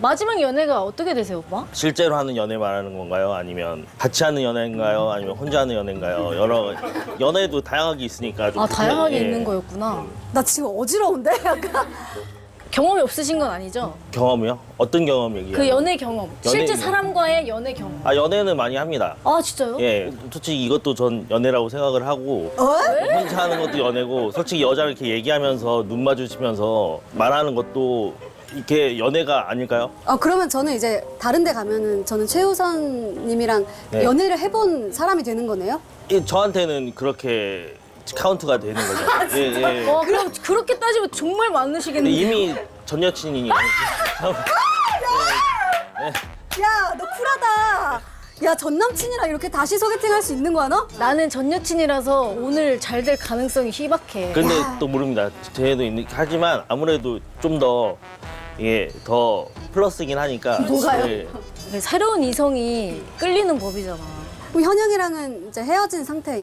마지막 연애가 어떻게 되세요, 오빠? 실제로 하는 연애 말하는 건가요? 아니면 같이 하는 연애인가요? 아니면 혼자 하는 연애인가요? 여러 연애도 다양하게 있으니까 좀 다양하게 예. 있는 거였구나. 나 지금 어지러운데? 약간. 경험이 없으신 건 아니죠? 경험이요? 어떤 경험 얘기해요? 그 연애 경험. 실제 경험. 사람과의 연애 경험. 아 연애는 많이 합니다. 아, 진짜요? 예, 솔직히 이것도 전 연애라고 생각을 하고 혼자 하는 것도 연애고 솔직히 여자를 이렇게 얘기하면서 눈 마주치면서 말하는 것도 이렇게 연애가 아닐까요? 그러면 저는 이제 다른 데 가면은 저는 최우선 님이랑 네. 연애를 해본 사람이 되는 거네요? 저한테는 그렇게 카운트가 되는 거죠. 예, 예. 그럼 그렇게 따지면 정말 근데 많으시겠네요. 이미 전 여친이니. 야, 너 쿨하다. 야, 전 남친이랑 이렇게 다시 소개팅 할 수 있는 거야, 너? 나는 전 여친이라서 오늘 잘 될 가능성이 희박해. 근데 또 모릅니다. 쟤도 있는 하지만 아무래도 좀 더 이게 더 플러스긴 하니까. 뭐가요? 예. 새로운 이성이 끌리는 법이잖아. 그럼 현영이랑은 이제 헤어진 상태.